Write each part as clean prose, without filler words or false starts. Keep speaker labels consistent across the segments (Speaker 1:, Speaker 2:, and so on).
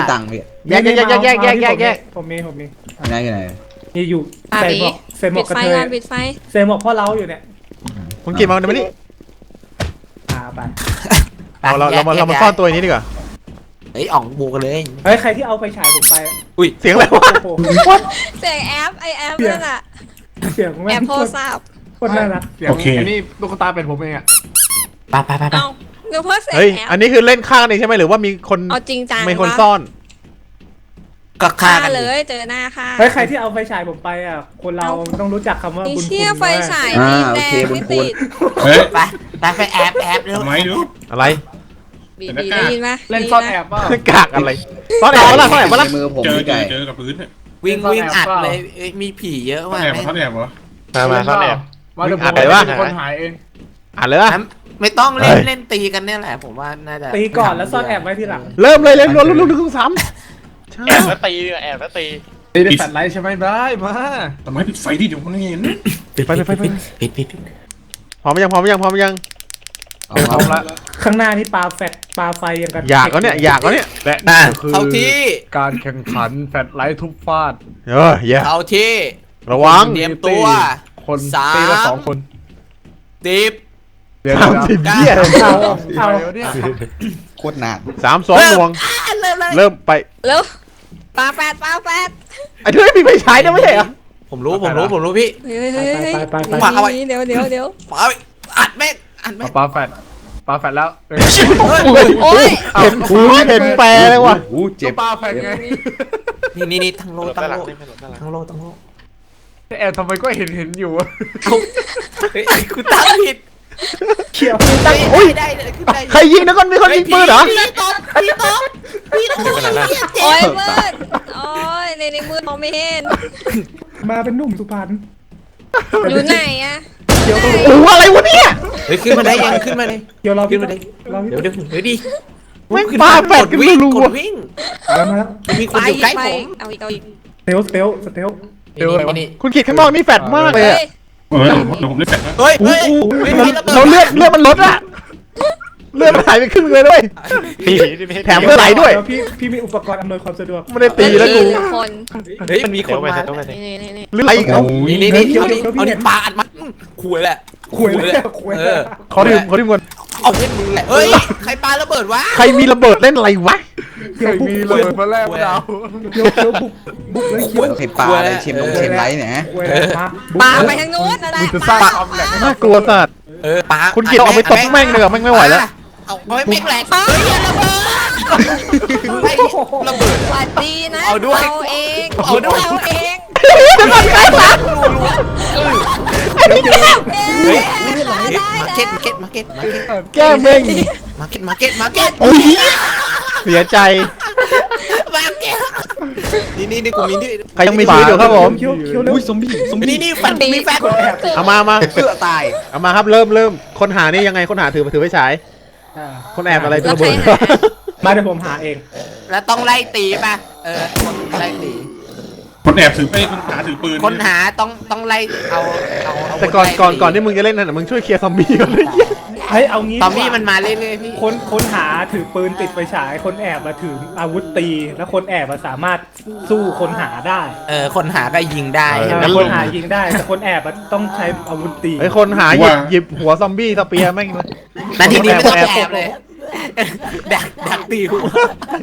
Speaker 1: มีตังค์พี่
Speaker 2: แยก
Speaker 3: ผมมี
Speaker 1: ไหนไหน
Speaker 3: นี่อยู่ใส่หมวก
Speaker 4: ปิด
Speaker 3: กระ
Speaker 4: ไฟ
Speaker 3: เทย
Speaker 4: ก่อนปิดไฟ
Speaker 3: ใส่หมวกพ่อเราอยู่เนี่ย
Speaker 2: คุณกินมาเดี๋ยวนี้
Speaker 3: ไป
Speaker 2: เรามาซ่อนตัวนี้ดีกว่า
Speaker 5: เฮ้ยอ่องบูกันเลย
Speaker 3: เฮ้ยใครที่เอาไฟฉายผมไป
Speaker 2: เสียงอะไรวะ
Speaker 3: โอ้โห
Speaker 4: เสียงแอปนั่นอะ
Speaker 3: เสียง
Speaker 4: แอ
Speaker 3: แม่
Speaker 4: ป
Speaker 3: ง
Speaker 4: โทรศัพท์
Speaker 3: โคตรน่ารัก
Speaker 6: โอเคอันนี้ลูกตาเป็นผมเองอ่ะ
Speaker 5: ไป
Speaker 4: เอาเดี๋ยวเพิ่มเสียง
Speaker 2: เฮ้ย
Speaker 4: แอป
Speaker 2: อันนี้คือเล่นข้างนี่ใช่ไหมหรือว่ามีคน
Speaker 4: เอาจริงจัง
Speaker 2: มีคนซ่อน
Speaker 5: ก็ฆ่า
Speaker 4: ฆ่า
Speaker 5: กัน
Speaker 4: เลยเจอหน้าค่ะ
Speaker 3: เฮ้ยใครที่เอาไฟฉายผมไปอ่ะคนเราต้องรู้จักคำว่า
Speaker 4: ไอ้
Speaker 3: บุญคุณ
Speaker 4: เชี่ยไฟฉาย
Speaker 1: อ่า
Speaker 4: นี่
Speaker 1: โอ
Speaker 4: แด
Speaker 1: เค
Speaker 4: ง
Speaker 1: บุญ
Speaker 4: ไม่
Speaker 1: คุณ
Speaker 4: ติด
Speaker 6: เฮ้ย
Speaker 5: ไปแอบเร็ว
Speaker 6: ทำไมดู
Speaker 2: อะไร
Speaker 4: บีได้ยินไหม
Speaker 6: เล่นซ่อนแอบเปล่าก
Speaker 2: ากอะไรซ่อนแอบวะล่ะซ่อนแอบวะล่ะ
Speaker 1: ในมือผม
Speaker 6: เจอ
Speaker 1: พี่ไก่
Speaker 6: เจอกับพื้นเนี่ย
Speaker 5: วิ่งอัดเลยมีผีเยอะ
Speaker 6: ซ่อน
Speaker 5: ว่ะ
Speaker 6: แอบซ่อนแอบเหรอ
Speaker 2: มาซ่อนแอบ
Speaker 6: มาเดี๋ยวผม
Speaker 2: อัดเลยว่า
Speaker 6: เป็นคนหายเอง
Speaker 2: อ่านเลยว่ะ
Speaker 5: ไม่ต้องเล่นตีกันเนี่ยแหละผมว่าน่าจะ
Speaker 3: ตีก่อนแล้วซ่อนแอบไว้ทีหลัง
Speaker 2: เริ่มเลยเล่นลุ้นซ้ำใช่
Speaker 7: แอบแล้วตีแอบแล้วตี
Speaker 6: ตีได้แฟลชไลท์ใช่ไหมได้มาทำไมปิดไฟดิเดี๋ยวมันเห็น
Speaker 2: ปิด
Speaker 5: ปิด
Speaker 2: พร้อมยัง
Speaker 6: เอาละ
Speaker 3: ข้างหน้านี่ปลาไฟยังกัน
Speaker 2: อยากแล้วเนี่ย
Speaker 6: และนี่คือ
Speaker 5: เข้าที่
Speaker 6: การแข่งขันแฟลชไลท์ทุบฟาด
Speaker 2: อย่า
Speaker 5: เข้าที่
Speaker 2: ระวัง
Speaker 5: เตรียมตัว
Speaker 6: คน
Speaker 5: สาม
Speaker 6: ตีละ2 คน
Speaker 5: ดิบ
Speaker 6: เดี๋ยว
Speaker 2: 30เหี้ย
Speaker 3: เอา
Speaker 6: เนี่ย
Speaker 1: โคตรนาน
Speaker 2: 3-2หน่วง เริ่มไป
Speaker 4: แล้วปลาแปด
Speaker 2: ไอ้เธอไม่มีไฟฉายนะไม่ใช่เหรอ
Speaker 5: ผมรู้พี่
Speaker 4: เฮ้ย
Speaker 3: ไป
Speaker 5: ปาเอาไว้
Speaker 4: เดี๋ยว
Speaker 5: ปาอัดแม่ง
Speaker 6: ปาแฟลชแล้ว
Speaker 4: โอ้ย
Speaker 2: เห็นแปรเลยว่ะ
Speaker 1: อู้เจ็บ
Speaker 6: ปาแฟลชไง
Speaker 5: นี่ทั้งโล
Speaker 7: ด้านหลังนี่ไม่หลบด้านหลัง
Speaker 5: ทั้งโล
Speaker 6: แอบทำไมก็เห็นอยู่
Speaker 5: เฮ้ยคุณตั้งผิด
Speaker 3: เขียว
Speaker 5: ได้ขึ้นได้
Speaker 2: ใครยิงนะคนมีคนยิงปืนเหรอ
Speaker 5: พี่ตบ
Speaker 7: ไปไหนล่ะ
Speaker 4: โอ้ยมืดโอ้ยในมืดมองไม่เห็น
Speaker 3: มาเป็นหนุ่มสุพรรณ
Speaker 4: อยู่ไหนอะ
Speaker 3: เขียว
Speaker 2: โอ้อะไรวะเนี่ย
Speaker 5: เฮ้ยขึ้นมาได้ยังขึ้นมาเลย
Speaker 3: เขียวเรา
Speaker 5: ขึ้นมาได้
Speaker 3: เรา
Speaker 5: เดี๋ยวดิ
Speaker 2: แม่งปาแปดกัน
Speaker 5: วิ่ง
Speaker 2: รั
Speaker 5: ก
Speaker 2: ว
Speaker 5: ดวิ่ง
Speaker 3: มาแล้ว
Speaker 5: มีคนอยู่ใกล้ผม
Speaker 4: เอาอีก
Speaker 3: สเตล
Speaker 5: นี่
Speaker 2: คุณขีดข้างนอกนี่แฟดมากเลยอะ
Speaker 6: เดี๋ยวผมได้แฟลช
Speaker 5: เฮ้ย
Speaker 2: เราเลือดมันลดอะเลือดมันหายไปครึ่งเลยด้วย
Speaker 7: ตีที่ไม่ให้
Speaker 2: แถมเพื่อไหลด้วย
Speaker 3: พี่มีอุปกรณ์อำนวยความสะดวก
Speaker 2: ไม่ได้ตีแล้วกู
Speaker 4: คน
Speaker 5: เฮ้ยมันมีคน
Speaker 7: ไป
Speaker 5: มา
Speaker 7: ต้องไปสิ
Speaker 4: นี่
Speaker 2: หรืออะไรอีกเอา
Speaker 5: นี่เอาดิปาอัดมาคุยแหละ
Speaker 3: คุยเลย
Speaker 2: ขอดื่มก่อน
Speaker 5: เอาเล่นมึงแหละเฮ้ยใครปาระเบิดวะ
Speaker 2: ใครมีระเบิดเล่นอะไรวะ
Speaker 3: เขียว
Speaker 6: มีเลยมาแรกดาว
Speaker 3: เขียวบุกเลยเขียว
Speaker 1: เห็นปลาอะไรเชมไลท์เนี่ย
Speaker 4: ปลาไปทางนู้นอะไร
Speaker 6: จะสร้างความแหลก
Speaker 2: น่ากลัวสัตว์
Speaker 5: ปา
Speaker 2: คุณกิตเอาไปตบแม่งเลยแม่งไม่ไหวแล้ว
Speaker 5: เอาไม่แม่งแหลกเฮ้ยระเบิดระเบิด
Speaker 4: หวัดดีนะ
Speaker 5: เอาด้วย
Speaker 4: เอง
Speaker 5: เอาด้วย
Speaker 4: เอาเอง
Speaker 5: มาเก็ต
Speaker 2: แก้แม่ง
Speaker 5: มาเก็ต
Speaker 2: โอ้ยเสียใจ
Speaker 5: มาเก็ตนี่กูมีนี่
Speaker 2: ใครยังมีชีวิตอยู่ครับผม
Speaker 3: เขียวเร็ว
Speaker 1: อุ้ยซอมบี้
Speaker 5: นี่แฟนมีแฟน
Speaker 2: เอามา
Speaker 1: เสื้อตาย
Speaker 2: เอามาครับเริ่มคนหานี่ยังไงคนหาถือไฟฉายคนแอบอะไรตัวเบิร์
Speaker 3: มาเดี๋ยวผมหาเอง
Speaker 5: แล้วต้องไล่ตีป่ะไล่ตี
Speaker 6: คนแอบถือคนหาถือปืน
Speaker 5: คนหาต้องไล่เอา
Speaker 2: แต่ก่อนที่มึงจะเล่นนั่นมึงช่วยเคลียร์ซอมบี้ก่อนเลย
Speaker 3: เฮ้ยเอางี้
Speaker 5: ตอมบี้มันมาเรื่อยๆพี่
Speaker 3: คนหาถือปืนติดไฟฉายคนแอบมาถืออาวุธตี แล้วคนแอบมาสามารถสู้คนหาได้
Speaker 5: คนหาก็ยิงได้
Speaker 3: คนหายิงได้แต่คนแอบต้องใช้อาวุธตี
Speaker 2: ไอ้คนหาหยิบหัวซอมบี้สเปียร์แม่งเลย
Speaker 5: นาทีนี้ไม่ต้องแอบเลยดักตีหัว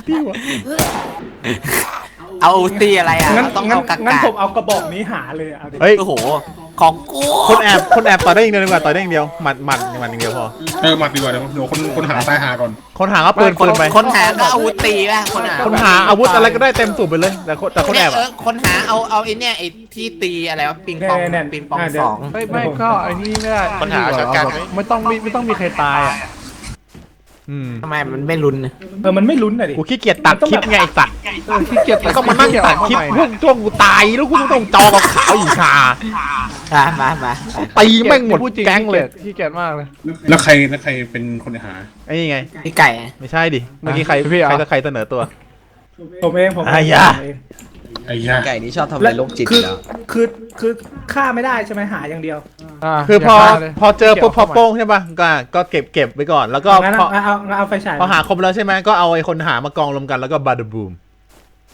Speaker 5: เอาตีอะไรอ่ะ
Speaker 3: งั้น
Speaker 5: ต้องเอากัก
Speaker 3: งั้นผมเอากระบอกนี้หาเลยเอาดิ
Speaker 2: เฮ้ย
Speaker 5: โอ้โหของกู
Speaker 2: คนแอบต่อได้อย่างเดียวดีกว่าต่อได้อย่างเดียวหมัดอย่างเดียวพอ
Speaker 6: หมัดดีกว่าเดี๋ยวคนหาตายหาก่อน
Speaker 2: คนหาก็ปืนไป
Speaker 5: คนหาก็อาวุธตีป่ะคนหา
Speaker 2: อาวุธอะไรก็ได้เต็มสูบไปเลยแต่คนแอบ
Speaker 5: คนหาเอาไอ้เนี่ยไอ้ที่ตีอะไรวะปิงปองสอง
Speaker 6: ไม่ก็ไอ้นี่ไม่ได้
Speaker 7: ปัญหาชัดกันไหม
Speaker 6: ไม่ต้องมีใครตายอ่ะ
Speaker 5: ทำไมมันไม่รุน
Speaker 3: มันไม่ลุ้นอะดิ
Speaker 2: กูขี้เกียจตัดคลิปไงไอ้สัตว์
Speaker 6: ขี้เกียจ
Speaker 2: ก็มานั่งตัดคลิปพวกช่วงกูตายแล้วกูต้องจอกับขาวอีกชา
Speaker 5: มา
Speaker 2: ตีแม่งหมดแก๊งเลย
Speaker 6: ขี้เกียจมากเลยแล้วใครเป็นคนหา
Speaker 2: ไอ้นี่ไง
Speaker 5: พี่ไก่
Speaker 2: ไม่ใช่ดิเมื่อกี้ใครเสนอตัว
Speaker 3: ผมเองผม
Speaker 2: ไอ้ยา
Speaker 6: ไอ้ย่า
Speaker 1: ไก่นี่ชอบทำอะไรโรคจิตแล้ว
Speaker 3: คือฆ่าไม่ได้ใช่ไหมหาอย่างเดียว
Speaker 2: คือพอเจอปุ๊บพอโป้งใช่ป่ะก็เก็บไว้ก่อนแล้วก็
Speaker 3: งั้น
Speaker 2: พอ
Speaker 3: เอาไฟฉาย
Speaker 2: พอหาครบแล้วใช่ไหมก็เอาไอ้คนหามากองรวมกันแล้วก็บาร์บูม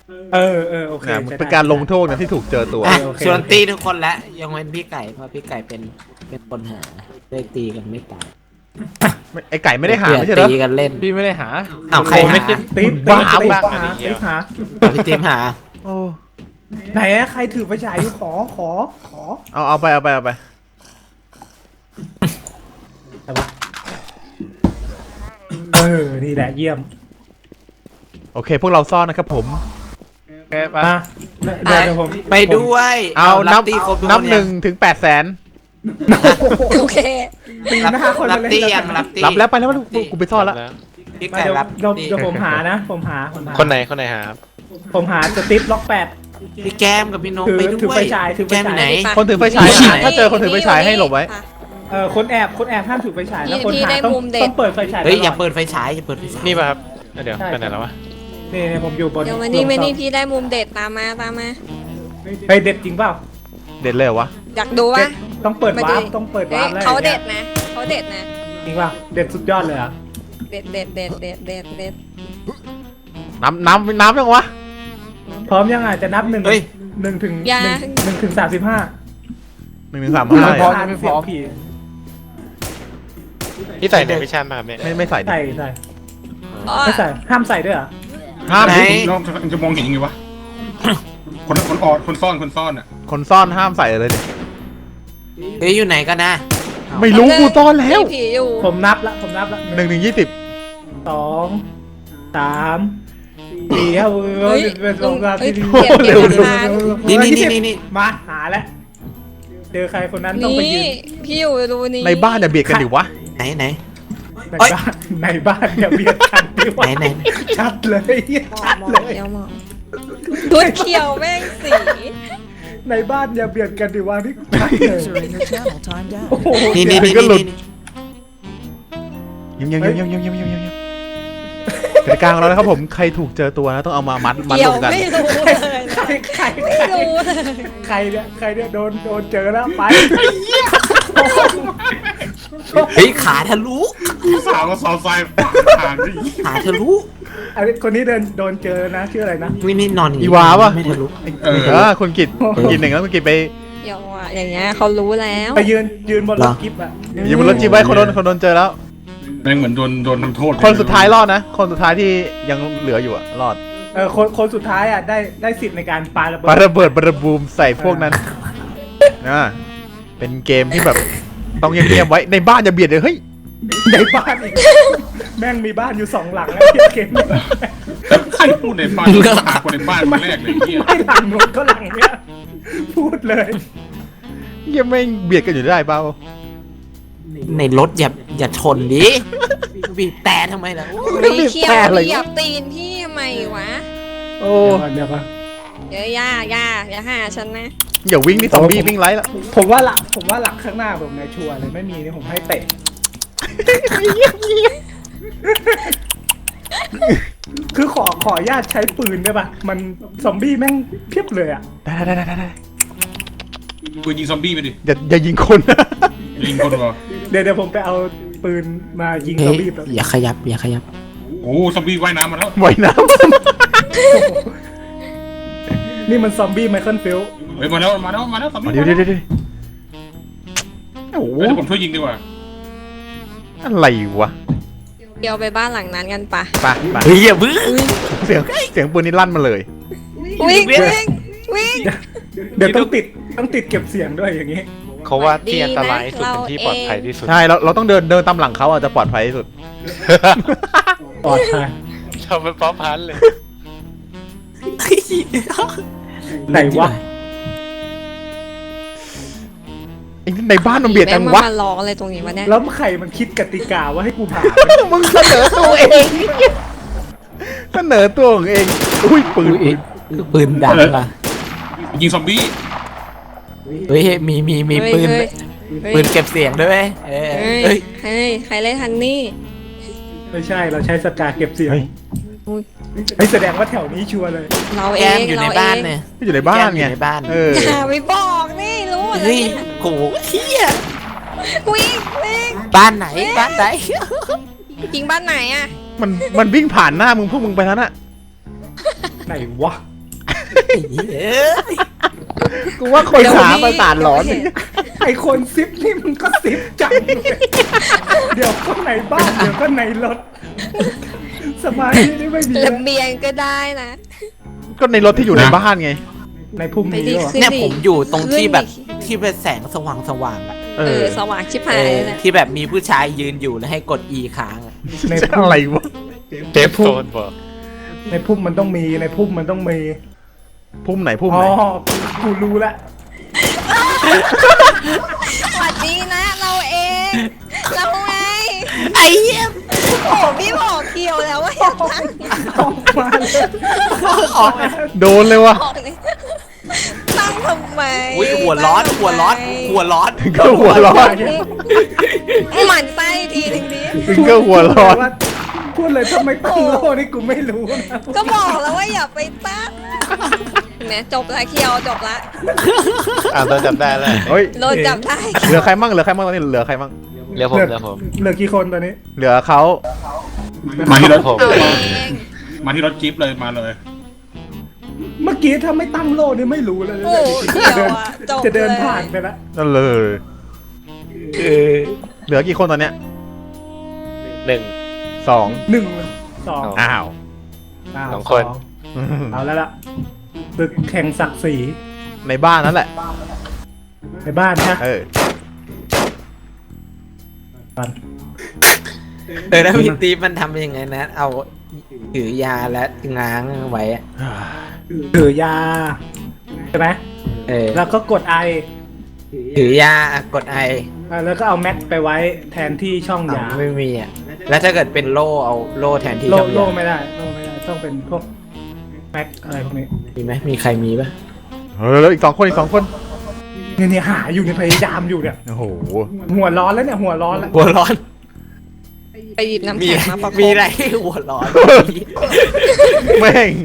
Speaker 3: โอเค
Speaker 2: นะเป็นการลงโทษนะที่ถูกเจอตัว
Speaker 5: อ่ะส่วนตีทุกคนแล้วยังเว้นพี่ไก่เพราะพี่ไก่เป็นคนหาได้ตีกันไม่ตาย
Speaker 2: ไอไก่ไม่ได้หาไม่ใช่เหรอ
Speaker 5: ตีกันเล่น
Speaker 6: พี่ไม่ได้หา
Speaker 5: อ้าวใครหา
Speaker 3: ติ๊บ
Speaker 2: บ้า
Speaker 3: ติ๊บหา
Speaker 5: พี่เจมส์หา
Speaker 2: โอ้
Speaker 3: ไหนอะใครถือไฟฉายอยู่ขอ
Speaker 2: เอาไป
Speaker 3: นี่แหละเยี่ยม
Speaker 2: โอเค พวกเราซ่อนนะครับผม
Speaker 6: แกไป
Speaker 3: มาเดี๋ยวผม
Speaker 5: ไปด้วย
Speaker 2: เอานับ
Speaker 5: ตีครบทุก
Speaker 2: นับ
Speaker 5: ค
Speaker 2: หนึ่งถึง800,000
Speaker 4: โอเค
Speaker 3: ตีหน้าคน
Speaker 5: รับ
Speaker 3: เลย
Speaker 5: ตียังรับตี
Speaker 2: รับแล้วไปแล้วกูไปซ่อนแล้ว
Speaker 5: พี่
Speaker 3: มา
Speaker 5: ไก่
Speaker 3: เดี๋ยว
Speaker 5: รับ
Speaker 3: เดี๋ยวผมหานะผมหา
Speaker 7: คนไหนหาครับ
Speaker 3: ผมหาสติ๊ปล็อก8
Speaker 5: พี่แก้มกับพี่นก
Speaker 3: ถือ
Speaker 5: ไปด้วย
Speaker 3: ถือไฟฉายถือไฟฉาย
Speaker 5: แก้มอยู่ไหน
Speaker 2: คนถือไฟฉายถ้าเจอคนถือไฟฉายให้หลบไว้
Speaker 3: คนแอบห้ามถือไฟฉายนะคน
Speaker 4: พี่
Speaker 3: หา
Speaker 4: ได้
Speaker 3: ต้อง
Speaker 4: มุมเด็ด
Speaker 3: ต้องเปิดไฟฉาย
Speaker 5: เฮ้ยอย่า
Speaker 3: ตล
Speaker 5: เปิดไฟฉายอย่าเปิดไฟฉาย
Speaker 7: นี่ป่ะครับเดี๋ยวไปไหนแล้ววะ
Speaker 3: นี่ผมอยู่บน
Speaker 4: เดี๋ยววันนี้ไม่นี่พี่ได้มุมเด็ดตามมา
Speaker 3: เฮ้ยเด็ดจริงเปล่า
Speaker 2: เด็ดเลยเหรอวะ
Speaker 4: อยากดูวะ
Speaker 3: ต้องเปิด
Speaker 4: มา
Speaker 3: วา
Speaker 4: ดู
Speaker 3: ร์ปต้องเปิด
Speaker 4: เฮ้
Speaker 3: วาย ร์ปแล้ว
Speaker 4: เขาเด็ดนะเขาเด็ดนะ
Speaker 3: จริงเปล่าเด็ดสุดยอดเลยอ่ะ
Speaker 4: เด็ด
Speaker 2: น้ำยังวะ
Speaker 3: พร้อมยังอ่ะจะนับ1 ถึง1 ถึง 35
Speaker 2: 1 ถึง 35
Speaker 3: พร้อ
Speaker 2: เลย
Speaker 3: ม
Speaker 2: อะ
Speaker 3: ไม่พร้อมผี
Speaker 7: พี่ใส่ในวิชามาครับเนี่ย
Speaker 2: ไม่ใส่ดิ
Speaker 3: ใส่ไม่ใส่ห้ามใส่ด้วยเหรอ
Speaker 2: ห้าม
Speaker 5: ไหน
Speaker 2: ดิ
Speaker 6: น้องจะมองเห็นยังไงวะคนออดคนซ่อนอ่ะ
Speaker 2: คนซ่อนห้ามใส่เลยดิ
Speaker 5: เฮ้ยอยู่ไหนกันนะ
Speaker 2: ไม่รู้กูซ่อนแล้ว
Speaker 4: มีผีอยู่
Speaker 3: ผมนับละ
Speaker 2: 1 ถึง 20
Speaker 3: 2 3 4ครับ
Speaker 4: เฮ้ย
Speaker 3: เป็นสองสาม
Speaker 4: เฮ้ย
Speaker 3: สี่
Speaker 4: เก็บหลักฐาน
Speaker 5: นี่
Speaker 3: มาหาแล้วเจอใครคนนั้นต้องไปยื
Speaker 4: นี่
Speaker 3: น
Speaker 4: พี่อยู่รูนี้
Speaker 2: ในบ้านอย่าเบียดกันดิวะ
Speaker 5: ไหน
Speaker 3: ในบ้านอย่าเบียดกันดีกว่า
Speaker 5: ไหน
Speaker 3: ชัดเลยชัด
Speaker 4: มอง
Speaker 3: เลย
Speaker 4: เดี๋ยวมองชุดเขียวแม่งสี
Speaker 3: ในบ้านอย่าเบียดกันดีกว่านี่ชัดเลยโอ้โห
Speaker 5: นี่
Speaker 2: ถึงก็หลุด เงียบกติกาของเรานะครับผมใครถูกเจอตัวนะต้องเอามามัด
Speaker 4: เกี่
Speaker 2: ร
Speaker 4: ยว
Speaker 2: วมกัน
Speaker 4: ไม่รู้เลย
Speaker 3: ใคร
Speaker 4: ไม่รู้เลย
Speaker 3: ใครเนี่ยโดนเจอแล้วไป
Speaker 5: เฮ้ยขาทะลุ
Speaker 6: สาวก็ซอไซผ่านดิ
Speaker 5: ขาทะลุ
Speaker 3: อันนี้คนนี้โดนเจอนะชื่ออะไรนะ
Speaker 5: นี่นอนอย่าง
Speaker 2: อี
Speaker 5: นี้
Speaker 2: วาป่ะ
Speaker 5: ไม่ทะลุ
Speaker 2: คุณกิตกินหนึ่งแล้วคุณกิตไป
Speaker 4: เดี๋ยวอ่ะอย่างเงี้ยเขารู้แล้ว
Speaker 3: ไปยืนบนรถกิฟต์อ่ะ
Speaker 2: อยู่บนรถจีบไว้คนโดนเจอแล้ว
Speaker 6: แม่งเหมือนโดนทำโทษ
Speaker 2: คนสุดท้ายรอดนะ คนสุดท้ายที่ยังเหลืออยู่อะรอด
Speaker 3: คนสุดท้ายอ่ะได้สิทธิ์ในการปาระเบิ
Speaker 2: ปา
Speaker 3: ด
Speaker 2: ระเบิดบระบูมใส่พวกนั้นนะเป็นเกมที่แบบต้องเงียบๆไว้ในบ้านอย่าเบียดเลยเฮ้ย
Speaker 3: ในบ้านอีกแม่งมีบ้านอยู่2 หลังแล้วเกมนี้
Speaker 6: ใครพูดในบ้านหาคนในบ้านคนแรกเลยเฮีย
Speaker 3: ไม่หลังนู้นก็หลังเนี้ยพูดเลย
Speaker 2: เงียบไม่เบียดกันอยู่ได้เปล่า
Speaker 5: ในรถอย่าชนดิบีบแต่ทำไมล่ะ
Speaker 4: ไม่เขี้ยวเหยียบตีนพี่ทำไมวะ
Speaker 2: โอ้
Speaker 3: เดี๋ยวก่อน
Speaker 4: เดี๋ยวอย่าหาฉันนะ
Speaker 2: อย่าวิ่งนี่ซอมบี้วิ่งไล่ละ
Speaker 3: ผมว่าหลักข้างหน้าผมในชัวร์เลยไม่มีนี่ผมให้เตะคือขออนุญาตใช้ปืนได้ป่ะมันซอมบี้แม่งเพียบเลยอ่ะ
Speaker 2: ได้
Speaker 6: กูยิงซอมบี้ไปดิ
Speaker 2: อย่ายิงคน
Speaker 6: ยิงคนวะ
Speaker 3: เดี๋ยวผมไปเอาปืนมายิงซ
Speaker 5: เฮ้
Speaker 3: อย มบี้แบบ
Speaker 5: อย่าขยับ
Speaker 6: โอ้ซอมบี้ว่ายน้ำมาแล้ว
Speaker 2: ไหวน้
Speaker 3: นี่มันซอมบี้ไมเคิลฟิลด์
Speaker 6: เฮ้ยมาแล้วซอม
Speaker 2: ำ
Speaker 6: บี้
Speaker 2: เดี๋ยวโอ้โห
Speaker 6: เดี๋ยวผมช่วยยิงดีกว่า
Speaker 2: อะไรวะ
Speaker 4: เดี๋ยวไปบ้านหลังนั้นกันปะ
Speaker 2: ไป
Speaker 5: เฮ้ยอย่าบึ้ง
Speaker 2: เสียงปืนนี่ลั่นมาเลย
Speaker 4: วิ่ง
Speaker 3: เดี๋ยวต้องติดเก็บเสียงด้วยอย่างงี้
Speaker 7: เขาว่าที่อันตรายที่สุดเป็นที่ปลอดภัยที่สุด
Speaker 2: ใช่เราต้องเดินตามหลังเขาอาจจะปลอดภัยที่สุด
Speaker 3: ปลอดภัย
Speaker 7: เราเป็นป๊อปพันเลย
Speaker 3: ไหนวะ
Speaker 2: ไอ้นี่ในบ้านมันเบียดกันวะ
Speaker 4: มาร้องอะไรตรงนี้วะเนี่ย
Speaker 3: แล้วใครมันคิดกติกาว่าให้กูผ่าน
Speaker 2: มึงเสนอตัวเองเสนอตัวของเองอุ้ยปืน
Speaker 5: ปืนดังล่ะ
Speaker 6: ยิงซอมบี้
Speaker 5: เฮ้ยมีปืน ปืนเก็บเสียงด้วย
Speaker 4: เฮ้ยใครเล่นฮันนี่
Speaker 3: ไม่ใช่เราใช้สกาเก็บเสียง
Speaker 4: อุ๊ย
Speaker 3: ไม่แสดงว่าแถวนี้ชัวร์เลย
Speaker 4: เราเอ
Speaker 5: แก้ม
Speaker 4: ง
Speaker 5: อยู่ใน
Speaker 4: เราเอ
Speaker 5: บ้าน
Speaker 4: ง
Speaker 5: เนี่ย
Speaker 2: อยู่ในบ้าน
Speaker 5: แก้มอ
Speaker 2: ไง
Speaker 5: ยู่ในบ้าน
Speaker 2: เออ
Speaker 4: อย่าไปบอกนี่รู้หมดแล้ว
Speaker 5: เฮ้ย
Speaker 4: เนี่ย
Speaker 5: โหเฮีย
Speaker 4: วิ่ง
Speaker 5: บ้านไหน
Speaker 4: จริงบ้านไหนอ่ะ
Speaker 2: มันวิ่งผ่านหน้ามึงพวกมึงไปแล้วน่ะ
Speaker 3: ไหนวะ
Speaker 2: กูว่าคนหาประสาทหลอน
Speaker 3: ไอคนซิปนี่มันก็ซิปจังเลยเดี๋ยวก็ในบ้านเดี๋ยวก็ในรถสมาธินี่ไม่มี
Speaker 4: ระเบียงก็ได้นะ
Speaker 2: ก็ในรถที่อยู่ในบ้านไง
Speaker 3: ในพุ่ม
Speaker 4: ไป
Speaker 3: นี้
Speaker 4: ดิ
Speaker 3: ด้วย
Speaker 4: ขึ้น
Speaker 5: เนี่ย
Speaker 4: ดิ
Speaker 5: ผมอยู่ตรงที่แบบ
Speaker 4: ขึ้นดิ
Speaker 5: ที่เป็นแสงสว่างๆอ่ะ
Speaker 2: เออ
Speaker 4: สว่างชิบหายเลยนะ
Speaker 5: ที่แบบมีผู้ชายยืนอยู่แล้วให้กด E ค้างอะ
Speaker 3: ในพุ่ม
Speaker 2: อะไรวะ
Speaker 7: เทปโซนบอก
Speaker 3: ในพุ่มมันต้องมีในพุ่มมันต้องมี
Speaker 2: พุ่มไหนพุ่ม
Speaker 3: อ๋
Speaker 2: ไห
Speaker 3: อน กูรู้ละ
Speaker 4: สวัสดีนะเราเอง เราไง
Speaker 5: ไอ้เหี้ย
Speaker 4: โอ้พี่บอกเกี่ยวแล้วว่าอยากตั้ง
Speaker 3: ออกมาเลย
Speaker 2: โดนเลยวะ
Speaker 4: ออกนี่ตั้งทำไม
Speaker 5: อุ้ยหัวร้อนหัวร้อนหัวร้อน
Speaker 2: ถึงก็หัวร้อน
Speaker 4: หมั่นไส้ทีหนึ่งดิ
Speaker 2: ถึงก็หัวร้อน
Speaker 3: ว่าพูดเลยทำไมตั้งโล่นี่กูไม่รู้นะ
Speaker 4: ก็บอกแล้วว่าอย่าไปตั้งแหมจบละเคียวจบละ
Speaker 7: โดนจับได้แล้ว
Speaker 2: เฮ้ย
Speaker 4: โดนจับได้
Speaker 2: เหลือใครมั่งเหลือใครมั่งตอนนี้เหลือใครมั่ง
Speaker 7: เรียกผม
Speaker 3: เหลื
Speaker 7: เรียกผม
Speaker 3: เหลือกี่คนตอนนี้
Speaker 2: เหลือเขา
Speaker 6: มาที่รถ
Speaker 7: ผม
Speaker 4: เอาเอง
Speaker 6: มาที่รถจิ๊บเลยมาเลย
Speaker 3: เมื่อกี้ถ้าไม่ตั้งโล่นี่ไม่รู้เลย
Speaker 4: โอ้เคียวอะจบ
Speaker 3: จะเดิน
Speaker 4: ลย
Speaker 3: ผ่านไปละ
Speaker 2: นั่นเลยเหลือกี่คนตอนเนี้ย
Speaker 7: หนึ่ง
Speaker 2: สอง
Speaker 3: หนึ่งสอง
Speaker 2: อ้าว
Speaker 3: าว
Speaker 7: สองคน
Speaker 3: เอาแล้วล่ะตึกแข่งศักดิ์ศรี
Speaker 2: ในบ้านนั่นแหละ
Speaker 3: ในบ้านนะ
Speaker 2: เออ
Speaker 3: บ้าน
Speaker 5: แล้วพี่ตีมันทำยังไงนะ เอาถือยาและง้างไว้อะ
Speaker 3: ถือยาใช่ไหม
Speaker 5: เออ
Speaker 3: แล้วก็กดไอ
Speaker 5: ถือยากดไอ
Speaker 3: แล้วก็เอาแม็กไปไว้แทนที่ช่องยา
Speaker 5: ไม่มีอ่ะแล้วถ้าเกิดเป็นโล่เอาโล่แทนที่
Speaker 3: โล่
Speaker 5: ช่อง
Speaker 3: โล่
Speaker 5: ยา
Speaker 3: ไม่ได้โล่ไม่ได้ต้องเป็นพวกแม็กอะไรพวกนี้
Speaker 5: มีไหมมีใครมีปะ
Speaker 2: เฮ้ยแล้วอีกสองคนอีกสองคน
Speaker 3: เนี่ยหาอยู่ในยพยายามอยู่เนี่ย
Speaker 2: โอ้โห
Speaker 3: หัวร้อนแล้วเนี่ยหัวร้อนแล้ว
Speaker 5: หัวร้อน
Speaker 4: ไปหยิบน้ำ
Speaker 5: มี
Speaker 4: แข็งมาประกบ
Speaker 5: มีอะไรให้หัวร้อน
Speaker 2: แม่ง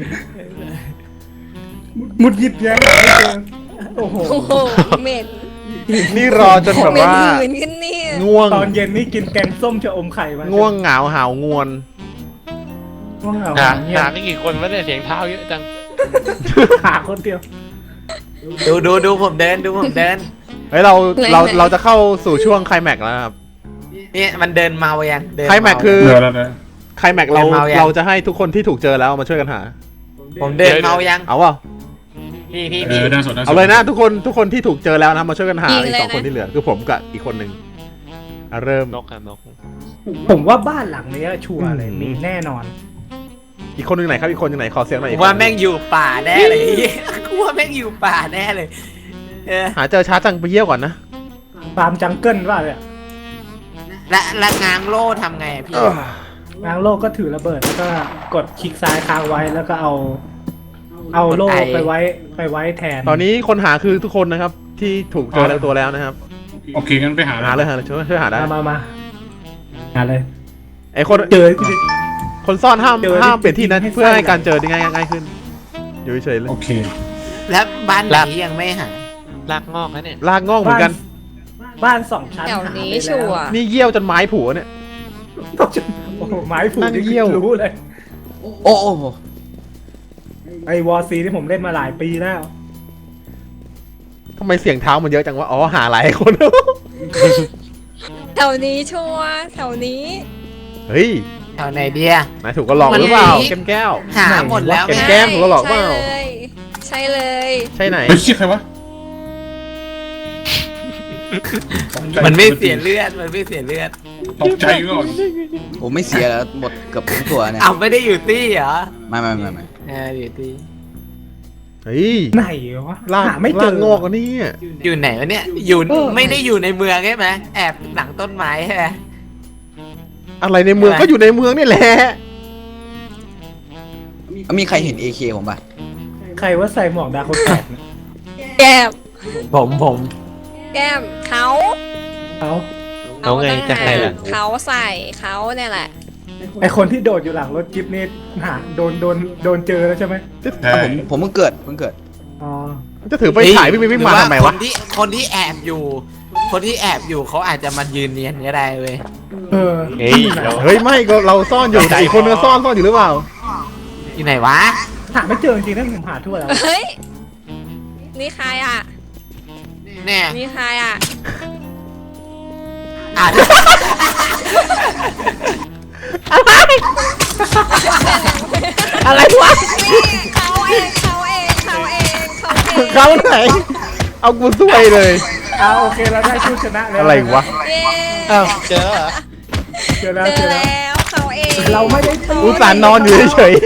Speaker 3: มุดหยิบแย้งหาไม่เจอโอ้โห
Speaker 4: โอ้โหเหม็น
Speaker 2: นี่รอจนแบบ
Speaker 4: เหม็น
Speaker 2: ว่า
Speaker 4: หืนขึ้นนี่
Speaker 2: ง่วง
Speaker 3: ตอนเย็นนี่กินแกงส้มชะอมไข่มา
Speaker 2: ง่วงเหงาหาวงวน
Speaker 3: ง่วงเหงา
Speaker 7: หา
Speaker 3: เงีย
Speaker 7: หา
Speaker 3: บ
Speaker 7: นี่กี่คนวะเนี่ยเสียงเท้าเยอะจัง
Speaker 3: หาคนเดียว
Speaker 5: ดูผมเดินดูผมเดิน
Speaker 2: เฮ้ยเราจะเข้าสู่ช่วงไคลแม็กซ์แล้วนะครับ
Speaker 5: เนี่ยมันเดินเมายังเดิน
Speaker 2: ไคลแม็กซ์คือ
Speaker 6: เหลือแล้วนะ
Speaker 2: ไคลแม็กซ์เราจะให้ทุกคนที่ถูกเจอแล้วมาช่วยกันหา
Speaker 5: ผมเดินเมายัง
Speaker 2: เอาเปล่า
Speaker 7: พี่
Speaker 6: ด้านสดด้านสด
Speaker 2: เอาเลยนะทุกคนที่ถูกเจอแล้วนะมาช่วยกันหาอีกสองคนที่เหลือคือผมกับอีกคนหนึ่งเริ่ม
Speaker 7: นกครับนก
Speaker 3: ผมว่าบ้านหลังนี้ชัวร์เลยมีแน่นอน
Speaker 2: อีกคนหนึ่งไหนครับอีกคนหนึ่งไหนขอเสียงหน่อย
Speaker 5: กู
Speaker 2: อีกคน
Speaker 5: ว่าแม่งอยู่ป่าแน่เลย กูว่าแม่งอยู่ป่าแน่เลยเออ
Speaker 2: หาเจอช้าจังไปเยี่ยวก่อนนะ
Speaker 3: ฟาร์มจังเกิลว่าเนี่ย
Speaker 5: และง้างโล่ทำไงอะพี่
Speaker 3: นางโลกก็ถือระเบิดแล้วก็กดคลิกซ้ายค้างไว้แล้วก็เอาโล่ไปไว้แทน
Speaker 2: ตอนนี้คนหาคือทุกคนนะครับที่ถูกเจอแล้วตัวแล้วนะครับ
Speaker 6: โอเคงั้นไปหา
Speaker 2: หาเลยช่วยหาได้
Speaker 3: มาหาเลย
Speaker 2: ไอคน
Speaker 3: เจอ
Speaker 2: คนซ่อนห้าม
Speaker 3: เจอ
Speaker 2: ห้ามเปลี่ยนที่นะ
Speaker 3: ให้
Speaker 2: เพื่อให้
Speaker 3: สั้น
Speaker 2: การเจอได้ง่ายขึ้นอยู่เฉยๆเลย
Speaker 6: โอเค
Speaker 5: แล้วบ้านไหนยังไม่หา
Speaker 7: ลากงอกนะเนี่ย
Speaker 2: ลากง่องเหมือนกัน
Speaker 3: บ้านสองชั้น
Speaker 4: แถวนี้
Speaker 3: หาไป
Speaker 4: ชัว
Speaker 3: แล้ว
Speaker 4: ร์
Speaker 2: นี่เยี่ยวจนไม้ผัวเนี่ย
Speaker 3: โอ้โหไม้ผูก
Speaker 2: นั่งเยี่ยว
Speaker 3: รู้เลย
Speaker 1: โอ้โห
Speaker 3: ไอวอร์ซีที่ผมเล่นมาหลายปีแล้ว
Speaker 2: ทำไมเสียงเท้ามันเยอะจังวะอ๋อหาหลายคน
Speaker 4: แถวนี้ชัวร์แถวนี้
Speaker 2: เฮ้ย
Speaker 5: แถวไหนเดีย
Speaker 2: นายถูกก็หลอกหรือเปล่าแก้มแก้ว
Speaker 5: หาหมดแล้ว
Speaker 2: เก็บ
Speaker 5: ไง
Speaker 2: แก้มผมก็หลอกเปล่า
Speaker 4: ใช่เลย
Speaker 2: ใช่ไหน
Speaker 6: เฮ้ยเชี่ยใครวะ
Speaker 5: มันไม่เสียเลือดมันไม่เสียเลือด
Speaker 6: ตกใจก่อน
Speaker 1: ผมไม่เสียแล้วหมดเกือบทั้งตัวเนี่ย
Speaker 5: เอาไม่ได้อยู่ตี้เหรอ
Speaker 1: ไม่
Speaker 5: อยู่ตี้
Speaker 2: เฮ้ย
Speaker 3: ไหนวะ
Speaker 2: ลาก
Speaker 3: หาไม่เจ
Speaker 2: ลา
Speaker 3: อก
Speaker 2: งอกอันนี้
Speaker 5: อยู่ไหนวะเนี่ยอยู่ไม่ได้อยู่ในเมืองใช่ไหมแอบหลังต้นไม้ใช่ไหม
Speaker 2: อะไรในเมือง
Speaker 5: อะไร
Speaker 2: ก็อยู่ในเมืองนี่แหละ
Speaker 1: มีใครเห็น AK ผมป่ะ
Speaker 3: ใครว่าใส่หมวกดาคนแปดเนี่ย
Speaker 4: แก้ม
Speaker 5: ผม
Speaker 4: แก้มเขา
Speaker 3: เขา
Speaker 7: เอาไงจะใครล่ะ
Speaker 4: เขาใส่เขาเนี่ยแหละ
Speaker 3: ไอคนที่โดดอยู่หลังรถจิ๊บนี่หาโดนเจอแล้วใช่ไหม
Speaker 6: ใช่
Speaker 1: ผมเพิ่งเกิด
Speaker 3: อ๋อ
Speaker 2: จะถือไปถ่ายวิ่งมาทำไมวะ
Speaker 5: คนที่แอบอยู่ คนที่แอบอยู่เขาอาจจะมายืนเนียนก็ได้เว้ย
Speaker 3: เออ
Speaker 7: เฮ้ยเดี๋ยว
Speaker 2: เฮ้ยไม่ก็เราซ่อนอยู่แต่อีกคนนึงซ่อนอยู่หรือเปล่า
Speaker 5: อยู่ไหนวะ
Speaker 3: หาไม่เจอจริงๆนะผมหาทั่วแล้ว
Speaker 4: เฮ้ย นี่ใครอ่ะ
Speaker 5: เนี่ย
Speaker 4: นี่ใครอ่ะ
Speaker 5: อ่าน
Speaker 2: อะไรวะ
Speaker 4: นี่เขาเองเขาเองเขาเองเขาเอง
Speaker 2: เขาไหน เอากูซวยเลย
Speaker 3: โอเคเราได้ผู้ชนะแล้ว
Speaker 2: อะไรวะ
Speaker 4: เย้
Speaker 7: อ้าวเจอแล้วเหรอ
Speaker 3: เจอแล้ว
Speaker 4: เจ
Speaker 3: เจ
Speaker 4: อ
Speaker 3: อแล้ว
Speaker 4: แล้วเขาเอง
Speaker 3: เราไม่ได้ตี
Speaker 2: อุตส่าห์นอนอยู่เฉย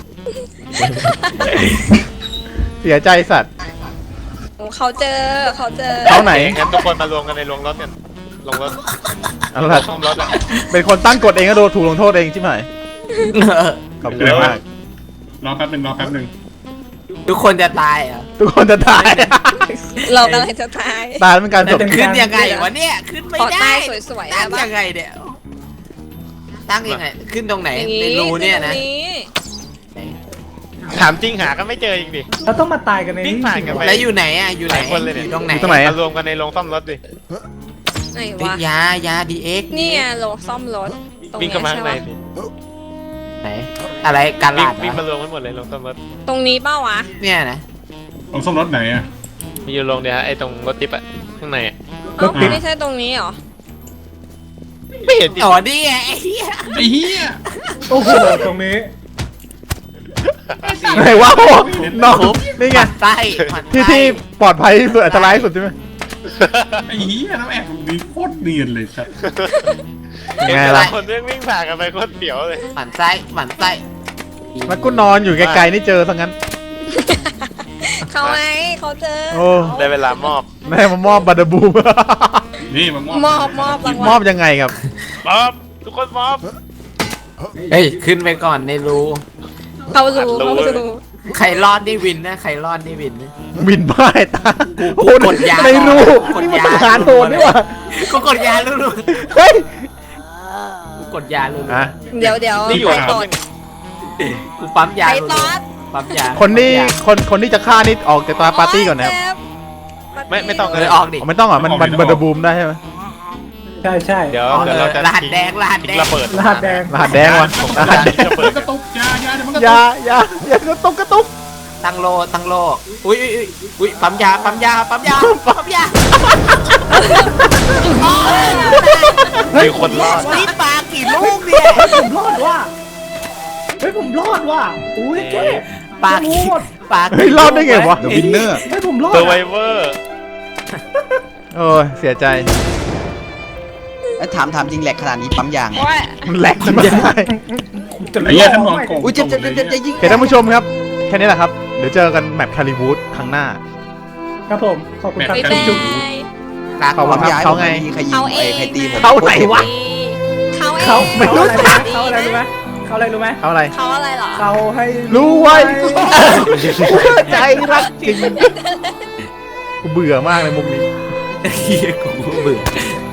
Speaker 2: ๆเสียใจสัตว์
Speaker 4: เขาเจอเขาเจอ
Speaker 2: เขาไหน
Speaker 7: งั้นทุกคนมารวมกันในโรงรถกันโรงรถ
Speaker 2: เอาล่ะ
Speaker 7: ซ่อมรถอะ
Speaker 2: เป็นคนตั้งกฎเองก็โดนถูกลงโทษเองใช่ไหมขอบคุณมาก
Speaker 6: รอแป๊บหนึ่งรอแป๊บหนึ่ง
Speaker 5: ทุกคนจะตายเหรอ่ะ
Speaker 2: ทุกคนจะตาย
Speaker 4: เรากำลังจะตาย
Speaker 2: ตายแล้วเป็นการจบ
Speaker 5: ขึ้นยังไงวะเนี่ยขึ้นไม่
Speaker 4: ขอ
Speaker 5: ได้
Speaker 4: ใต้สวยๆ
Speaker 5: ตั้
Speaker 4: ได้
Speaker 5: ง
Speaker 4: ปะ
Speaker 5: ยังไงเนี่ยตั้งยังไงขึ้นตรงไหน
Speaker 4: อย่าง
Speaker 5: ใน
Speaker 4: นี้
Speaker 5: รูเนี่ยนะ
Speaker 4: ตรงนี้
Speaker 7: ถามจริงหาก็ไม่เจออีกดิ
Speaker 3: เราต้องมาตายกันใน
Speaker 7: วิ่
Speaker 3: นี้
Speaker 7: งผ่านกันไป
Speaker 5: แล้วอยู่ไหนอ่ะอยู่ไหน
Speaker 7: หลายคนเลยเนี่ย
Speaker 5: อยู่ตรงไหน
Speaker 2: อยู่ตรงไหน
Speaker 7: มารวมกันในโรงซ่อมรถดิ
Speaker 4: ไหน
Speaker 5: เฮ้ยว
Speaker 4: ะ
Speaker 5: ยาดีเอ็ก
Speaker 4: นี่ไงโลซ่อมรถตรง
Speaker 7: วิ่ง
Speaker 4: นี้
Speaker 7: เข้ามา
Speaker 4: ใช่
Speaker 7: ข้างใน
Speaker 4: ปะ
Speaker 7: ดิ
Speaker 5: ไหนอะไรการ
Speaker 7: วิ่
Speaker 5: ลาง ดเหร
Speaker 7: วิ่ง
Speaker 5: อ
Speaker 7: มารวมกันหมดเลยโรงซ่อมรถ
Speaker 4: ตรงนี้เป้าวะ
Speaker 5: เนี่ยนะ
Speaker 6: ลงซ่อมรถไหนอ่ะ
Speaker 7: มีอยู่โรงเดียวฮะไอ้ตรงรถจิ๊บอะข้างในอะ
Speaker 4: เอ้าไม่ใช่ตรงนี้เหรอ
Speaker 7: ไม่เห็นดิ
Speaker 5: อ๋อนี่ไงไอ้เหี้ย
Speaker 6: ไอ้เหี้ย
Speaker 3: โอ้โหตรงนี้
Speaker 2: ไหนวะโอ้น้องนี่ไง
Speaker 5: ไส้หมั่นไส้
Speaker 2: ที่ปลอดภัยที่สุดอันตรายที่สุดใช่ไหม
Speaker 6: ไอ้เหี้ยน้ำแอบมีโคตรเนียนเลยสัตว์
Speaker 2: ยังไงล่ะ
Speaker 7: คนเรื่องวิ่งผ่านกันไปโคตรเสียวเลย
Speaker 5: หมั่นไส้หมั่นไส้
Speaker 2: แล้วกูนอนอยู่ไกลๆนี่เจอซะงั้น
Speaker 4: เขาไงเขาเจอ
Speaker 2: โอ้
Speaker 7: ได้เวลามอบ
Speaker 2: แม่มามอบบัตเดอร์บูม
Speaker 6: นี่มาม
Speaker 4: มอบรางวัล
Speaker 2: มอบยังไงครับ
Speaker 7: มอบ ทุกคนมอบ
Speaker 5: เฮ้ยขึ้นไปก่อนในรู
Speaker 4: เขารู้เขารู้
Speaker 5: ใครรอดนี่วินนะใครรอดนี่วินนะ
Speaker 2: บินพ่ายตาโอ้โห
Speaker 5: กดยา
Speaker 2: ไม่รู้
Speaker 5: กด
Speaker 2: นี่
Speaker 5: ยา
Speaker 2: มันทหารโหดนี่หว่า
Speaker 5: กูกดยาลุ้น
Speaker 2: เฮ้ย
Speaker 5: ๆกูกดยาลุ้น
Speaker 2: อ่ะ
Speaker 4: เดี๋ยว
Speaker 7: นี่อยู่
Speaker 4: ใคร
Speaker 7: อะ
Speaker 4: ตอด
Speaker 5: กูปั๊มยา
Speaker 4: ใคร
Speaker 5: ลุ้น
Speaker 4: ตอด
Speaker 5: ปั๊มยา
Speaker 2: คนที่คนที่จะฆ่านี่ออกจากตาปาร์ตี้ก่อนนะครับ
Speaker 7: ไม่ต้อง
Speaker 5: เอ
Speaker 7: เล
Speaker 5: อย ออกดิ
Speaker 2: อ๋อไม่ต้องเหรอมันบัตเดอร์บูมได้ใช่ไหม
Speaker 3: ใช่ใช่
Speaker 7: เดี๋ยว
Speaker 5: ออก
Speaker 7: เดี๋ยวเราจะ
Speaker 5: รหัสแดงรหัสแดง
Speaker 7: ระเบิด
Speaker 3: รหัสแดง
Speaker 2: รหัสแดงวะรหัสแดง
Speaker 7: ระเบิด
Speaker 6: กระตุกยาเดี๋ยวมันกระ
Speaker 2: อ
Speaker 6: ตุ
Speaker 2: ย่าก อย่ากระตุก
Speaker 5: ตั้งโลอุ้ยปั๊มยาปั๊มยาปั๊มยาปั๊มยา
Speaker 7: มีคนรอด
Speaker 5: นี่ปลากี่ลูกเนี่ย
Speaker 3: เฮ้ยผมรอดว่ะเฮ้ยผมรอดว่ะอุ้ยเจ๊
Speaker 5: ปลา
Speaker 3: โค
Speaker 5: กี่
Speaker 3: ตร
Speaker 5: ปลา
Speaker 2: เฮ้ยรอดได้ไงวะ
Speaker 1: The Winner
Speaker 3: เฮ้ยผมรอด
Speaker 7: เซอร์ไว
Speaker 3: อะ
Speaker 7: เวอร์
Speaker 2: โอ้ยเสียใจ
Speaker 1: แล้วถามจริงแหลกขนาดนี้ปั๊มยาง
Speaker 4: โอ้ย
Speaker 2: มันแหลกมันไม่ได้
Speaker 3: จะ
Speaker 6: ไอ้เหี้ยท่านมองโกง
Speaker 1: อุ้ยเจ็บยิง
Speaker 2: โอเคท่านผู้ชมครับ แค่นี้แหละครับ เดี๋ยวเจอกันแมปคาริวูดครั้งหน้า
Speaker 3: ครับผมขอบคุณครับ
Speaker 4: บ๊ายบาย
Speaker 3: จุ๊บ
Speaker 5: ปลา
Speaker 2: ขอบคุณ
Speaker 1: ปั๊มยาง
Speaker 2: เขาไง
Speaker 1: ใครยิง
Speaker 4: เขาเอง
Speaker 1: ใครตีผม
Speaker 2: เขาไหนวะ
Speaker 4: เขาเอง
Speaker 2: เขาไม่รู้จัก
Speaker 3: เขาอะไรรู้ไหมเขาอะไรรู้ไหม
Speaker 2: เอาอะไร
Speaker 4: เขาอะไรเหรอ
Speaker 3: เขาให้
Speaker 2: รู้ไว้ใจรักจริงกูเบื่อมากเลยมุกนี้
Speaker 5: เฮียกูเบื่อ